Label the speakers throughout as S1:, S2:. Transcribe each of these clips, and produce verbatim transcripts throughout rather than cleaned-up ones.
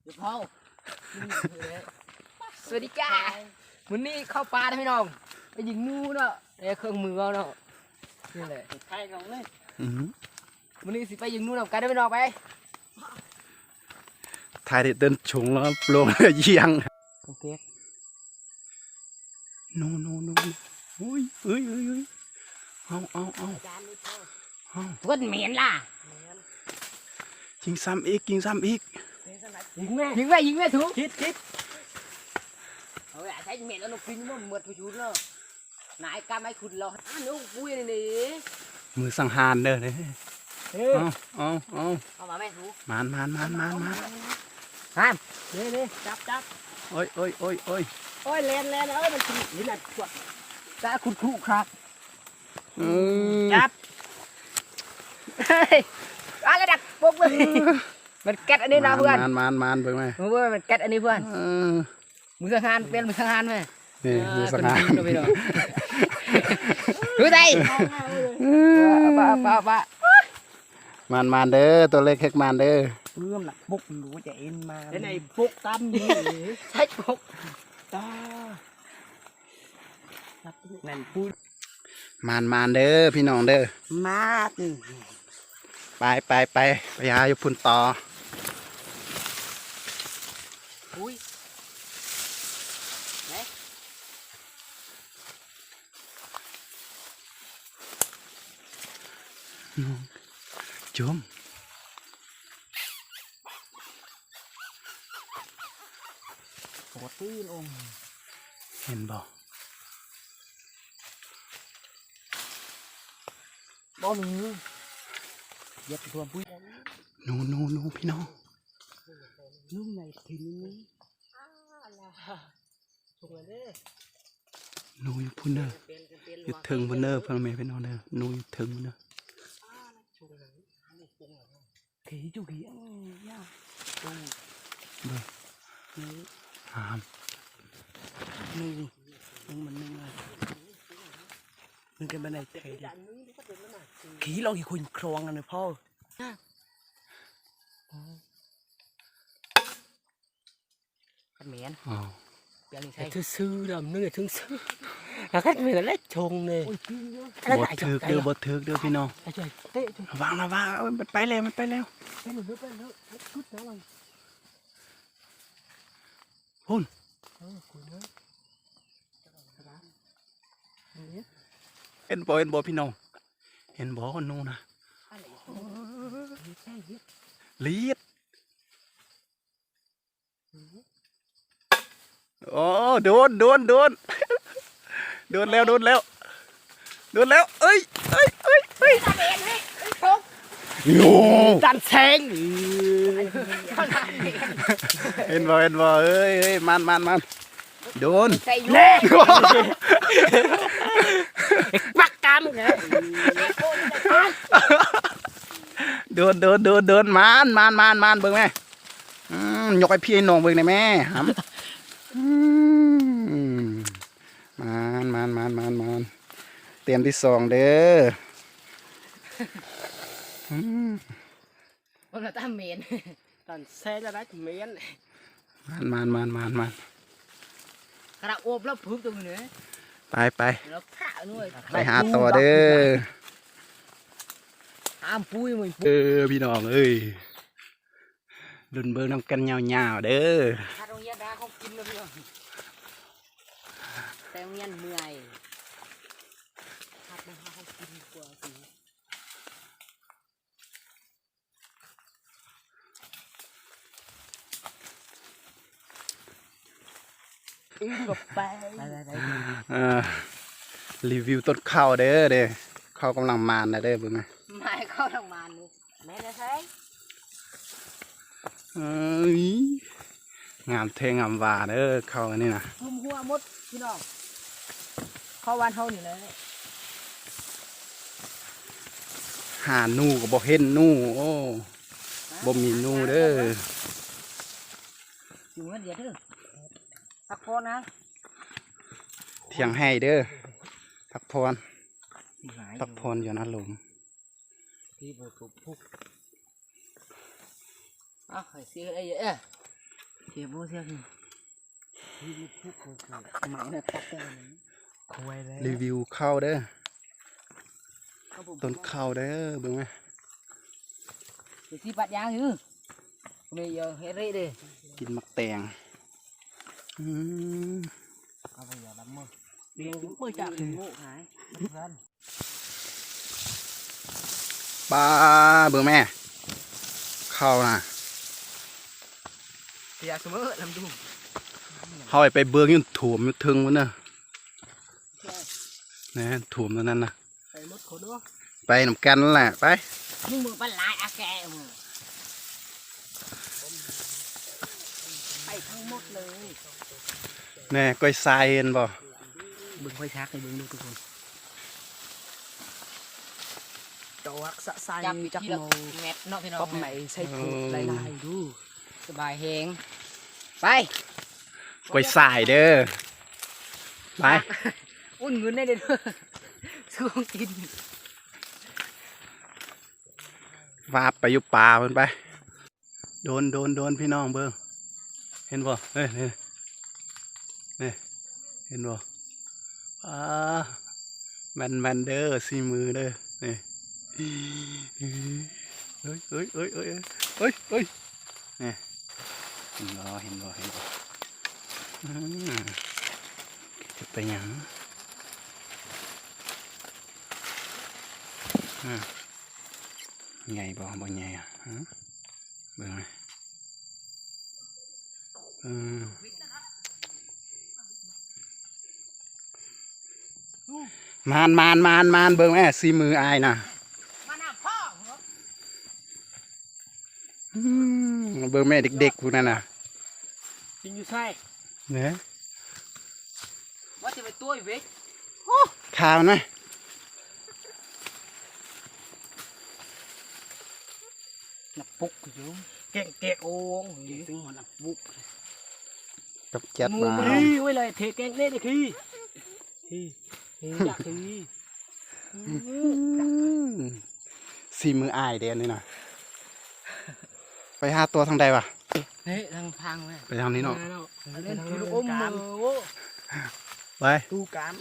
S1: เดี๋ยวพ่อสวัสดีจ้าวันนี้เข้าปลาได้ไหมน้องไปยิงงูเนาะไอ้เครื่องมือเอาเนาะนี่แหละใช่กันเลยวันนี้สิไปยิงงูเนาะกันได้ไหมน้องไป
S2: ถ่ายเดินชงแล้วลงเยียง
S1: โอเค
S2: โนโนโนโอ้ยเอ้ยเอ้ยเอ้ยเอาเอาเอาเอา
S1: เพื่อนเหม็นล่ะ
S2: ยิงซ้ำอีกยิงซ้ำอีก
S1: ยิงแม่ยิงแม่ยิงแม่ถูกคิดคิดเอาไอ้ใช้เหม็นแล้วนกพินมันเหมือนผู้ชุดเนาะนายกล้าไม่ขุดเราอ่ะน้องปุ้ยนี่
S2: มือสังหารเด้อเนี่ยเอาเอาเอา
S1: เอามาแม่ถูก
S2: มานมานมานมานมาน
S1: ห้ามนี่นี่จับจับ
S2: โอ้ยโอ้ยโอ้ยโอ้ย
S1: โอ้ยแลนแลนเอ้ยมันกินนี่แหละขวดจะขุดคู่ครับจับเฮ้ยอะไรดักปุ๊บเลยมันแก๊สอันนี้นะเพื่อน
S2: มานมานมานเพื่อนไหม
S1: เพื่อนมันแก๊สอันนี้เพื่อนมือสังหารเป็นมือสังหารไหม
S2: นี่มือสังหาร
S1: ดูใจป้าป้าป้าม
S2: านมานเด้อตัวเล็กเฮ็กมานเด้อ
S1: เพื่อนหลักปุกรู้จะเอ็นมาในปุกตามนี่ใช่ปุกตานั่นพูด
S2: มานมานเด้อพี่น้องเด้อ
S1: มา
S2: ไปไปไปไปหาอยู่พุ่นต่อ
S1: อุ้ย
S2: จุ่ม
S1: โคตรตื้นอง
S2: เห็นบ่
S1: บ่หนึ่งเย็บตัวปุ้ย
S2: นูนูนูพี่น้อง
S1: นุ่มในถิ่นนี้อะไรชงเลย
S2: นูอยู่พุ่นเด้ออยู่ถึงพุ่นเด้อเพื่อนแม่พี่น้องเด้อนูอยู่ถึงพุ่นเด้อ
S1: ขี่จุกขี่อ่ะย่าตรง
S2: เด้อหาม
S1: นึ่งนึ่งมันนึ่งเลยนึ่งกันไปไหนเทดิขี่เราขี่คุยครองกันเลยพ่อกันเหม็นเปลี่ยนใช่ทึ่ซื้อดำนึกถึงซื้อแล้วก็เหม็นแล้วชงเลย
S2: บดถือเด้อบดถือเด้อพี่น้องวางนะวางมันไปแล้วมันไปแล้วพุ่นเห็นบ่เห็นบ่พี่น้องเห็นบ่คนนู้นนะลีดโอ้โดนโดนโดนโดนแล้วโดนแล้วโดนแล้วเอ้ยเอ้ยเอ้ยเอ้ยโย่
S1: จันเซง
S2: เห็นบ่เห็นบ่เอ้ยเอ้ยมันมันมันโดน
S1: เล่บักกามเหรอ
S2: โดนโดนโดนโดนมันมันมันมันเบิ่งแม่ยกไอ้พี่น้องเบิ่งได้แม่ครับมันมันมันมันมันเตรียมที่สองเด้อ
S1: วันละตั้มเมนตอนเซ่จะได้เมน
S2: มันมันมันมันมัน
S1: กระโอบแล้วพึ่งตรงนี้
S2: ไปไปไปหาต่อเด้อ
S1: ห้ามปุ้ยมึง
S2: เออพี่น้องเอ้ยดุนเบิ่งน้ำกันยาวๆเด้อ
S1: ถ้าตรงนี้ได้เขากินแล้วพี่น้องแต่เงี้ยเมื่อยถ้าไม่ให้เขากินกว่าสิอินกับไป
S2: รีวิวต้นข้าวเด้อเด้อข้าวกำลังมานนะเด้อเบิ่งไหม
S1: ไม่ข้าวกำลังมานนี่แม่ได้ใช่
S2: เอ้ยงามเทงามหวาเด้อข้าวอันนี้นะ
S1: ทุ่มหัวมดพี่น้องข้าววันเท่านี้เลย
S2: หาหนูก็บ่เห็นหนูโอ้บ่มีหนูเด้อ
S1: อยู่เงินเดียวเด้อพักผ่อนนะ
S2: เที่ยงให้เด้อพักผ่อนพักผ่อนอยู่นะลุง
S1: ที่บุกพุกอ่ะเสียอะไรเยอะสียโบเสียคือหมายนะตักได้คุยเลย
S2: รีวิวข้าวเด้อต้นข้าวเด้อเบิ่งไหม
S1: ที่ปัดยางอยู่bây giờ hết rễ đi
S2: กินมักแตงอืม
S1: bây giờ đắm mơ đi cũng mơ chạm thì ngộ hái
S2: ปลาเบิ่งแม่ข้าวน่ะ
S1: thì à mơ làm đúng
S2: เฮาไปเบิ่งอยู่ถ่วมอยู่ถึงมันเด้อนะถ่วมตรงนั้นน่ะ
S1: phải mất khổ nữa
S2: ไปนำกันนั่นแหละไป
S1: nhưng mà bắt lại à kẹ mà phải thăng một lời
S2: แน่ก้อยทรายเห็นบ่
S1: bừng khoai thác này bừng đượcทุกคน
S3: ตัวสะใสจักโน
S1: แมทเนาะพี่น้อง
S3: ก็ไม่ใช่ผูกลายๆดู
S1: สบายแหงไป
S2: ก้อยทรายเด้อไป
S1: อุ่นเงินได้เด้อซื้อของกิน
S2: วาบไปอยู่ป่าเพิ่นไปโดนโดนโดนพี่น้องเบิ่งเห็นบ่เฮ้ยนี่นี่เห็นบ่อ่าแมนแมนเด้อสีมือเด้อนี่เฮ้ยเฮ้ยเฮ้ยเฮ้ยเฮ้ยเฮ้ยนี่เห็นบ่เห็นบ่เห็นบ่อืมจะไปหยังอืมใหญ่บ่บ่ใหญ่อ่ะฮะเบิ่งไหมอืมมานมานมานมานเบิ่งแม่สีมืออายน่ะ
S1: มาหน้าพ่อ
S2: อืมเบิ่งแม่เด็กๆพวกนั้นน่ะ
S1: กินอยู่ใช่
S2: เนี่ย
S1: ว่าจะไปตัวอีกเว้ย
S2: คามันไหม
S1: หนักปุกอยู่เก่งเก่งโอ่งถึงหัวหนักปุก
S2: กับแก๊ส
S1: มือ
S2: มา
S1: มือไว้เลยเทแกงเล่นดิคือคืออยากคือ
S2: สีมืออายเดนนี่น่ะไปหาตัวทางใดวะ
S1: เฮ้ยทางทางเว้ย
S2: ไปทางนี้เนาะ
S1: เล่นคือลูกอมมือโว้
S2: ไป
S3: ตูกาม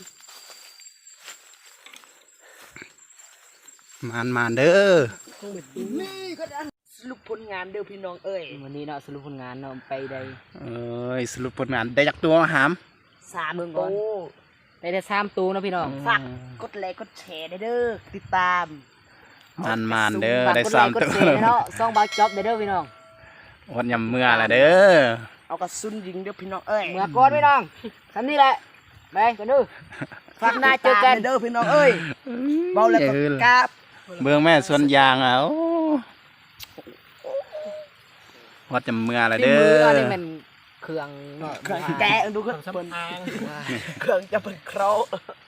S2: มานมานเด้อ
S1: นี่ก็ได้สรุปผลงานเด้อพี่น้องเอ้ยวันนี้เนาะสรุปผลงานเนาะไปได้
S2: เอ้ยสรุปผลงานได้จากตัวหาม
S1: สามโตได้แต่สามตัวเนาะพี่น้องฝากกดไลค์กดแชร์ได้เด้อติดตาม
S2: มานมานเด้อ
S1: ฝาก
S2: ได้
S1: กด
S2: สา
S1: ไล
S2: ม
S1: ค์กด
S2: ตัว
S1: แชร์เนาะซองบาจ็อบได้เด้อพี่น้อง
S2: อดยำเมื่อละเด้อ
S3: เอากระสุนยิงเด้อพี่น้องเอ้ย
S1: เมื่อก่อนพี่น้องทำนี่แหละไปกันดูฝากหน้าเจอกัน
S3: เด้อพี่น้องเอ้ยเบาแล้วก็กราบ
S2: เบื้องแม่ส่วนยางอ่ะโอ้อดยำเมื่อละ
S1: ที่
S2: เด้
S1: มือ
S2: อ
S1: อันนี้มันเครื่องเนาะ
S3: เครื่องแกะดูขึ้นเปิ้นเครื่องจะเป็นเคราะห์